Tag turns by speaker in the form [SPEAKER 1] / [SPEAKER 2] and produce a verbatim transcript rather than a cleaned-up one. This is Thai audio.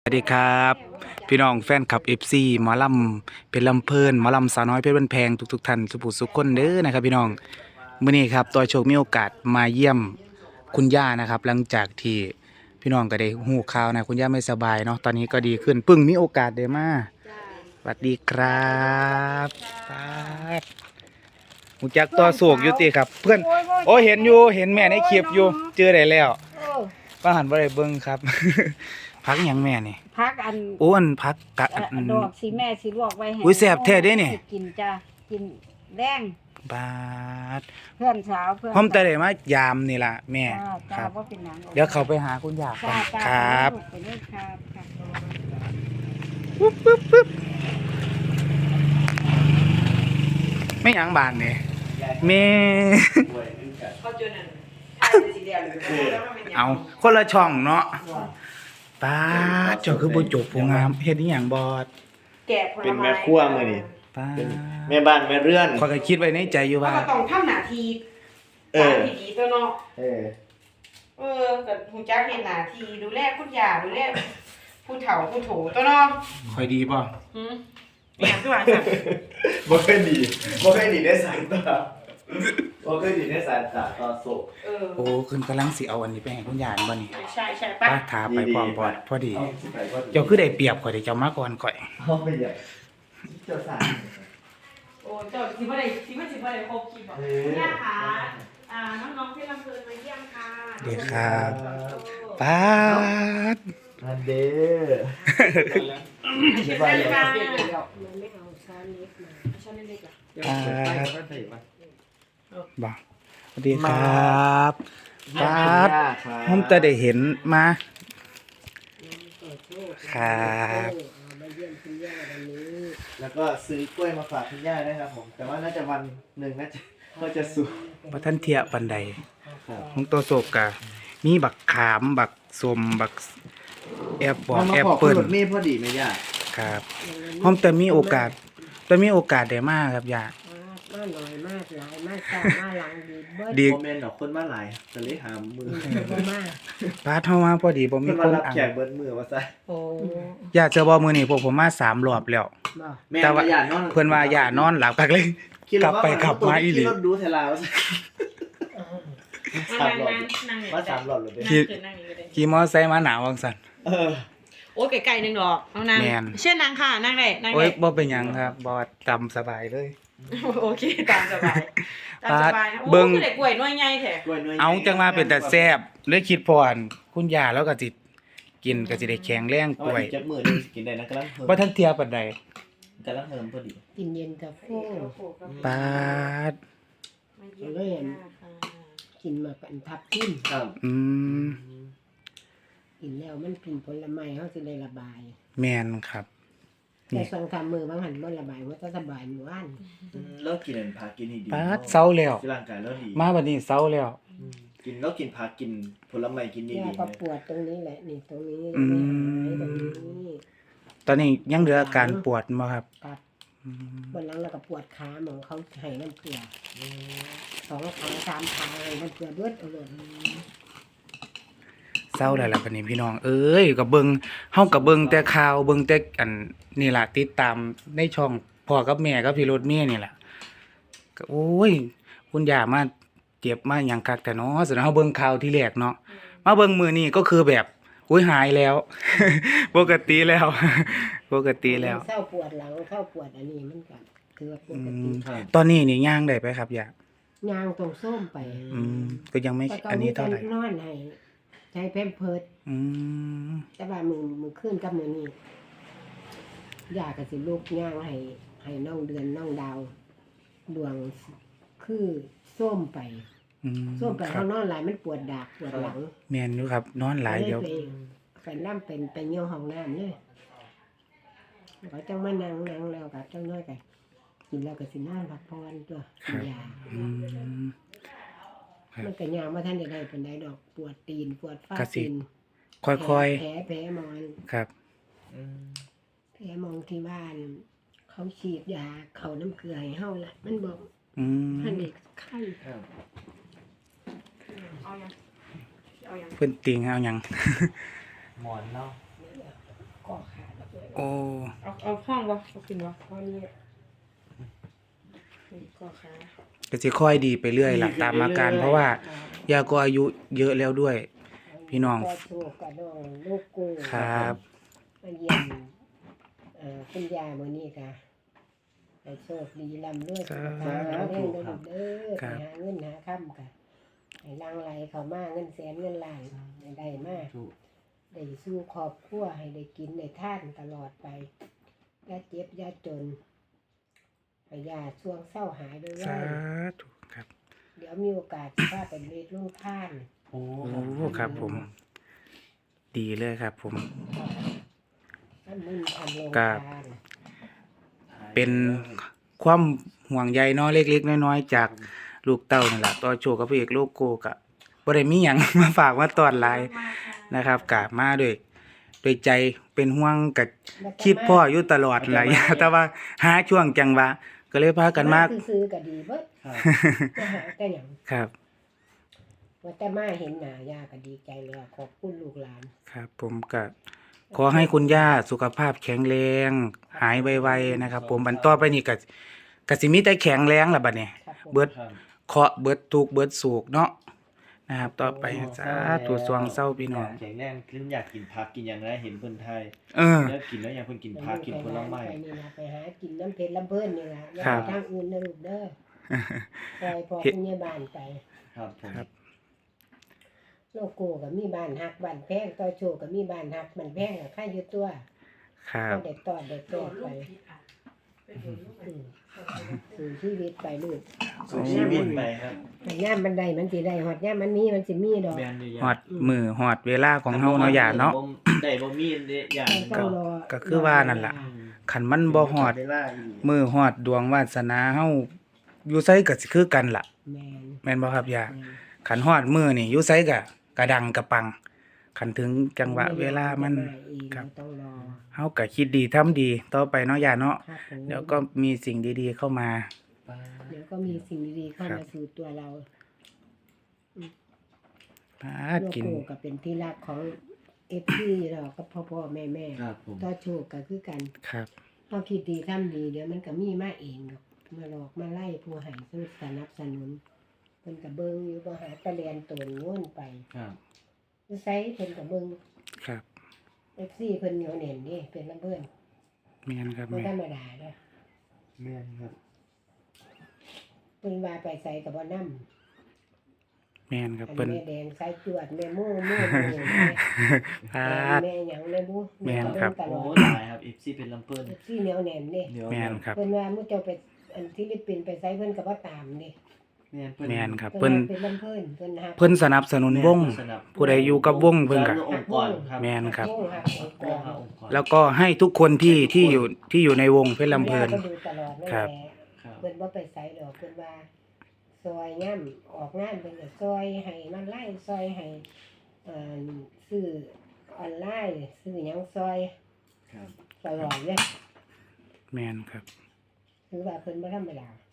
[SPEAKER 1] สวัสดีครับพี่น้องแฟนคลับ เอฟ ซี หมอลำเป็นลำเพลินหมอลำสาวน้อยเพชรบ้านแพงทุกๆท่านสุภูสุขคนเด้อนะครับพี่น้องมื้อนี้ครับตัวโชคมีโอกาสมาเยี่ยมคุณย่านะครับหลังจากที่พี่น้องก็ได้ฮู้ข่าวนะคุณย่าไม่สบายเนาะตอนนี้ก็ดีขึ้นปึ้งมีโอกาสได้มาสวัสดีครับครับหูจักตัวโศกอยู่ติครับเพื่อนโอ้เห็นอยู่เห็นแม่ในคลิปอยู่เจอได้แล้วป้าหันบ่ได้เบิ่งครับ พักหยังแม่นี่
[SPEAKER 2] พักอัน
[SPEAKER 1] อ้วนพักกะอัน
[SPEAKER 2] ดอกสีแม่สีลวกไว้ให้
[SPEAKER 1] อุ้ยแซ่บแท้เด้นี่
[SPEAKER 2] กินจ้ะกินแดง
[SPEAKER 1] บาด
[SPEAKER 2] เพื่อนสาวเพื่อน
[SPEAKER 1] ผมแต่ได้มายามนี่ล่ะแม่ครับเดี๋ยวเขาไปหาคุณย่าก่อนครับ
[SPEAKER 2] ไปเลยครับ
[SPEAKER 1] ปึ๊บปึ๊บปึ๊บไม่หยังบานนี่แม่เอาคนละช่องเนาะป้าเจ้าคือบ่จบผู้งามเฮ็ดอีหยังบ่
[SPEAKER 2] แกะ
[SPEAKER 3] เป็นแม่ครัวมื้อนี้
[SPEAKER 1] ป้า
[SPEAKER 3] แม่บ้านแม่เรือน
[SPEAKER 1] ข้อยก็คิดไว้ในใจอยู่ว่า
[SPEAKER 2] ก็ต้องทำหน้าที่เออที่ดีตัวเนาะเออเออก็ฮู้จักเฮ็ดหน้าที่ดูแลคุณย่าดูแลผู้เฒ่าผู้โถตัวเนาะ
[SPEAKER 1] ค่อยดีบ่
[SPEAKER 2] หือแม่คือว่าซั่น
[SPEAKER 3] บ่เคยดีบ่เคยดีได้สายตาบ่เคยดีได้สายตาต่อโศก
[SPEAKER 1] เออโอ้คืนกำลังสิเอาอันนี้ไปให้คุณย่าบ่นี่
[SPEAKER 2] ใช่ๆป่ะ
[SPEAKER 1] ป้าถาไปพร้อมบ่พอดีเจ้าคือได้เปรียบข่อยได้เจ้ามาก่อนข่อย
[SPEAKER 3] เฮาไปใหญ่เจ้าสาร
[SPEAKER 2] โอ้เจ้าสิบ่ได้สิบ่สิบ่ได้ครบคลิปบ่คุณย่าค่ะอ่าน้องๆที่ลำเพลินมาเยี่ยมค่ะ
[SPEAKER 1] เด้ครับป้าด
[SPEAKER 3] อันเด้อ
[SPEAKER 2] สบายดีค่ะมันไม่เอาช้อนเล็กมาช้อนเล็กๆอ่ะ
[SPEAKER 1] ป้าบ่สวัสดีครับป้าดผมจะได้เห็นมาครับ
[SPEAKER 3] แล้วก็ซื้อกล้วยมาฝากคุณย่าด้วยครับผมแต่ว่าน่าจะวันหนึ่งน่าจะก็จะสุก
[SPEAKER 1] บ่ทันเทียปันใดของตัวโศกกะมีบักขามบักส้มบักแอปปอกแอปเปิ้ล
[SPEAKER 3] มีพอดีไหมย่า
[SPEAKER 1] ครับผมแต่มีโอกาสแต่มีโอกาสได้มาครับย่า
[SPEAKER 2] มาหน่อยมากหลายมากจ้ามาหลังดีเบิด
[SPEAKER 3] ดีโมเมนต์ดอกคนมาหลายก็เลยหามือ
[SPEAKER 2] มา
[SPEAKER 1] ป้าเฮามาพอดีบ่มีคน
[SPEAKER 3] รับแขกเบิดมือว่าซะ
[SPEAKER 2] โอ้
[SPEAKER 1] ย่าเจอบ่มื้อนี้พวกผมมาสามรอบแล้วแต่ว่าเพิ่นว่าย่านอนหลับคักเลยกลับไปกลับมาอีหลี
[SPEAKER 3] รถดูเทลาว่าสามรอบมาสามรอบเลย
[SPEAKER 1] ขี่ขี่มอไซค์มาหนาวจังซั่น
[SPEAKER 3] เออ
[SPEAKER 2] โอ้ไกลๆนึงดอกเอานางเช่นนางค่ะนั่งได้นั่งได้
[SPEAKER 1] โอ้ยบ่เป็นหยังครับบ่ตามสบายเลย
[SPEAKER 2] โอเคตามสบายตามสบายนะเบิ่งกล้วยน้อยใหญ่แท้
[SPEAKER 1] เอาจังว่าเป็นแต่แซ่บเลยคิดพรคุณย่าแล้วก็สิกินก็สิได้แข็งแรงกล้วย
[SPEAKER 3] จักมื้อนึงกินได้นะกำลังเพิ่ม
[SPEAKER 1] บ่ทันเทียปานใด
[SPEAKER 3] กำลังเพิ่มพอดี
[SPEAKER 2] กินเย็นกาแฟ
[SPEAKER 1] ปาด
[SPEAKER 2] เลยกินมากันทับทิ่ม
[SPEAKER 3] ครับ
[SPEAKER 1] อืม
[SPEAKER 2] กินแล้วมันกินผลไม้เฮาสิได้ระบาย
[SPEAKER 1] แม่นครับ
[SPEAKER 2] แต่สองสามมื้อบางหันบ่ระบายว่าจะสบายหมู่บ้าน
[SPEAKER 3] แล้วกินอันผักกินให้ดี
[SPEAKER 1] ปาดเซาแล้ว
[SPEAKER 3] ร่างกายแล้วดี
[SPEAKER 1] มาบัดนี้เซาแล้ว
[SPEAKER 3] กินแล้วกินผักกินผลไม้กินดีๆ
[SPEAKER 2] ก็ปวดตรงนี้แหละนี่ตรงนี้
[SPEAKER 1] อืมตอนนี้ยังเหลืออาการปวดบ่ครับ
[SPEAKER 2] ครับบนหลังแล้วก็ปวดขาหมองเขาให้น้ำเกลือสองขาสามขาให้น้ำเกลือเบิดเอาเลย
[SPEAKER 1] เศร้าแล้วล่ะบัดนี้พี่น้องเอ้ยก็เบิ่งเฮาก็เบิ่งแต่ข่าวเบิ่งแต่อันนี่ล่ะติดตามในช่องพ่อกับแม่กับพี่รถเมย์นี่ล่ะก็โอ้ยคุณย่ามาเจ็บมาหยังคักแต่เนาะสนเฮาเบิ่งข่าวที่แรกเนาะมาเบิ่งมื้อนี้ก็คือแบบอุ้ยหายแล้วปกติแล้วปกติแล้ว
[SPEAKER 2] เศร้าปวดหลังเศร้าปวดอันนี้มันก็คือปกติ
[SPEAKER 1] ตอนนี้นี่ย่างได้ไปครับย่า
[SPEAKER 2] ย่างตรงส้มไป
[SPEAKER 1] อืมก็ยังไม่อันนี้เท่าไหร่
[SPEAKER 2] นอนให้ใช้แพมเพิร์ส
[SPEAKER 1] อืม
[SPEAKER 2] แต่ว่ามือมือขึ้นกับมือนี้ย่าก็สิลูกย่างให้ให้น้องเดือนน้องดาวดวงคือส้มไปส้มไปเขานอนหลายมันปวดดากปวดหลัง
[SPEAKER 1] แม่นอยู่ครับนอนหลายเดี๋ยว
[SPEAKER 2] เป็นน้ำเป็นเป็นเยี่ยวห้องน้ำเนี่ยเขาจังมานั่งนั่งแล้วกับจังน้อยกันกินแล้วก็สินอนพักผ่อนตัวกินยามันก็ยามาท่านใดๆเป็นใดดอกปวดตีนปวดฟ้าตีน
[SPEAKER 1] ค่อย
[SPEAKER 2] ๆแผลแผลมอน
[SPEAKER 1] ครับ
[SPEAKER 2] แผลมองที่บ้านเขาฉีดยาเขาน้ำเกลือให้เฮาละมันบอกท่านเด็กไข้
[SPEAKER 1] เพิ่นติงเอาหยัง
[SPEAKER 3] หมอนเนาะ
[SPEAKER 2] ก็ขาดแล้วเลย
[SPEAKER 1] โอ้
[SPEAKER 4] เอาเอาห้องบ่เอาขึ้นบ่
[SPEAKER 2] เพราะนี่
[SPEAKER 4] นี่ก็ขา
[SPEAKER 1] ก็สิค่อยดีไปเรื่อยล่ะตามอาการ เพราะว่าย่าก็อายุเยอะแล้วด้วย พี่น้อง
[SPEAKER 2] ก็โชคกับน้องลูกกู
[SPEAKER 1] ครับ
[SPEAKER 2] มาเยี่ยมเอ่อคุณยายมื้อนี้ค่ะให้โชคดีร่ำรวยสุขภาพแข็งแรงเด้อลูกเด้อ
[SPEAKER 1] ค
[SPEAKER 2] ไป
[SPEAKER 1] รับ
[SPEAKER 2] หาเงินหาค่ำค่ะให้หลังไหลเข้ามาเงินแสนเงินล้านให้ได้มา
[SPEAKER 3] ถูก
[SPEAKER 2] ได้สู้ครอบครัวให้ได้กินได้ทานตลอดไปอย่าเจ็บอย่าจนให้ยาช่วงเศร้าหายด้วย
[SPEAKER 1] สา
[SPEAKER 2] ว่า
[SPEAKER 1] ธุครับ
[SPEAKER 2] เดี๋ยวมีโอกาสสิพาไปเรียนลูกท่าน
[SPEAKER 3] โอ้
[SPEAKER 1] โอ้ครับผม ดีเลยครับผม
[SPEAKER 2] ท่านมึนทำโรง
[SPEAKER 1] ครับ
[SPEAKER 2] ทาน
[SPEAKER 1] เป็นความห่วงใยเนาะเล็กๆน้อยๆจากลูกเต้านั่นแหละต่อโชคกับพระเอกโลโก้กะบ่ได้มีหยัง มาฝากมาตอนหลายนะครับกะมาด้วยด้วยใจเป็นห่วงกะคิดพ่ออยู่ตลอดหลาย แต่ว่าหาช่วงจังหวะก็เลยพากันมา
[SPEAKER 2] ซื้อๆก็ดีเบิด
[SPEAKER 3] ครับ
[SPEAKER 2] จะหาแต่หยัง
[SPEAKER 1] ครับ
[SPEAKER 2] ว่าแต่มาเห็นหน้ายาก็ดีใจแล้วขอบคุณลูกหลาน
[SPEAKER 1] ครับ ผมก็ขอให้คุณย่าสุขภาพแข็งแรง หายไวๆนะครับ ผมอันต่อไปนี่ก็ก็สิมีแต่แข็งแรงล่ะบัดนี้
[SPEAKER 2] ครับผม
[SPEAKER 1] เบิด
[SPEAKER 3] ครับ
[SPEAKER 1] เคาะเบิดทุกข์เบิดโศกเนาะนะครับ ต่อไปสาธุสวงเศร้าพี่น้อง
[SPEAKER 3] แข็งแรงคืออยากกินผักกินอย่างไรเห็นเพิ่นไทย
[SPEAKER 1] เออ
[SPEAKER 3] แล้วกินแล้วอยากเพิ่นกินผักกินผลไม้
[SPEAKER 2] ไปนี่ล่ะไปหากินน้ำเพชรลำเพิ่นนี่ล่ะอย่า
[SPEAKER 1] ครั
[SPEAKER 2] ไป
[SPEAKER 1] บ
[SPEAKER 2] ทางอื่นนะลูกเด้อปล่อยพอคุณยายบ้านไป
[SPEAKER 3] ครับผม
[SPEAKER 1] ครับ
[SPEAKER 2] โลโก้ก็มีบ้านฮักบ้านแพงต่อโชคก็มีบ้านฮักบ้านแพงก็ค่าอยู่ตัว
[SPEAKER 1] ครับ
[SPEAKER 2] ก็ได้ตอดได้ตอดไปอืมสู่ชีวิตไปลูก
[SPEAKER 3] สู่ชีวิตไปครับ
[SPEAKER 2] แต่ย่ามมันได้มันสิได้ฮอดย่ามมันมีมันสิมีดอก
[SPEAKER 3] แม่นดี
[SPEAKER 1] ฮอดมือฮอดเวลาของเฮาเนาะอย่าเนาะ
[SPEAKER 3] ได้บ่มีเด้อย่าง
[SPEAKER 2] ต้องรอ
[SPEAKER 1] ก็คือว่านั่นล่ะ คันมันบ่ฮอด
[SPEAKER 3] เวลาอีก
[SPEAKER 1] มือฮอดดวงวาสนาเฮาอยู่ไสก็สิคือกันล่ะ
[SPEAKER 2] แม่น
[SPEAKER 1] แม่นบ่ครับย่า
[SPEAKER 2] แม่น
[SPEAKER 1] คันฮอดมือนี่อยู่ไสก็กระดังกระปัง คันถึงจังหวะเวลามัน ครับ
[SPEAKER 2] ต้องรอ
[SPEAKER 1] เฮาก็คิดดีทำดีต่อไปเนาะย่าเนาะ
[SPEAKER 2] ครับผม
[SPEAKER 1] เดี๋ยวก็มีสิ่งดีๆเข้ามา
[SPEAKER 2] เดี๋ยวก็มีสิ่งดีๆเข้า
[SPEAKER 1] ครั
[SPEAKER 2] มา
[SPEAKER 1] บ
[SPEAKER 2] สู่ตัวเรา
[SPEAKER 1] หา
[SPEAKER 2] โล
[SPEAKER 1] กิน
[SPEAKER 2] โก้ก็เป็นที่รักของเอฟซีเราก็พ่อพ่อแม่แม่
[SPEAKER 3] ครับผม
[SPEAKER 2] ต่อโชคก็คือกัน
[SPEAKER 1] ครับ
[SPEAKER 2] พอคิดดีทำดีเดี๋ยวมันก็มีมาเองดอกมาหลอกมาไล่ผู้ให้สนับสนุนเพิ่นก็เบิ่งอยู่บ่หาตะเรียนตนโง่นไป
[SPEAKER 3] ครับ
[SPEAKER 2] ไสเพิ่นก็เบิ่ง
[SPEAKER 1] ครับ
[SPEAKER 2] เอฟซีเพิ่นเหนียวแน่นนี่เป็นลำเพิ่น
[SPEAKER 1] แม่นครับ
[SPEAKER 2] บ่
[SPEAKER 1] แม่
[SPEAKER 2] ธรรมดาเด้อ
[SPEAKER 3] แม่นครับ
[SPEAKER 2] เพิ่นว่าไปใส่ก็บ่นำ
[SPEAKER 1] แม่นครับ
[SPEAKER 2] อัน
[SPEAKER 1] เพิ่น
[SPEAKER 2] แม่แดงสายจวดแม่โม่โม่โม่แม่
[SPEAKER 1] พา
[SPEAKER 2] แม่หยังแม่บุ
[SPEAKER 1] แม่นครับ
[SPEAKER 2] ตล
[SPEAKER 3] โอ้
[SPEAKER 2] อด
[SPEAKER 3] หลายครับ เอฟ ซี เป็นลำเพิ่น
[SPEAKER 2] ที่เหนียวแน่นนี่
[SPEAKER 3] เดี๋ยว
[SPEAKER 1] แม่นครับ
[SPEAKER 2] เพิ่นว่ามื้อเจ้าไปอันฟิลิปปินส์ไปไสเพิ่นก็บ่ตามนี่
[SPEAKER 3] แม่นเพิ่น
[SPEAKER 1] แม่นครับ
[SPEAKER 2] เพิ่
[SPEAKER 1] เพิ่น
[SPEAKER 2] นว่าเป็นลำเพิ่นเพิ่นฮัก
[SPEAKER 1] เพิ่นสนับสนุนวง
[SPEAKER 3] สนับ
[SPEAKER 1] ผู้ใดอยู่กับวงเพิ่นก็
[SPEAKER 3] สนับสนุองค์กรครับ
[SPEAKER 1] แม่นครับ
[SPEAKER 2] วงฮักองค์ก
[SPEAKER 3] ก็
[SPEAKER 2] ร
[SPEAKER 3] หาองค์กร
[SPEAKER 1] แล้วก็ให้ทุกคนที่ที่อยู่ที่อยู่ในวงเพชรลำเพลิน
[SPEAKER 2] แม่ก็ดูตลอดนั่น
[SPEAKER 1] ครั
[SPEAKER 2] แห
[SPEAKER 1] บ
[SPEAKER 2] ละ
[SPEAKER 3] ครับ
[SPEAKER 2] เพิ่นบ่ไปไสดอกเพิ่นว่าซอยย่ำออกงานเพิ่นก็ซอยให้มันไล่ซอยให้เอ่อซื้อออนไลน์ซื้อหยังซอย
[SPEAKER 3] ครับ
[SPEAKER 2] ตลอดเลย
[SPEAKER 1] แม่นครับ
[SPEAKER 2] ถือว่าเพิ่นบ่ธรรมดา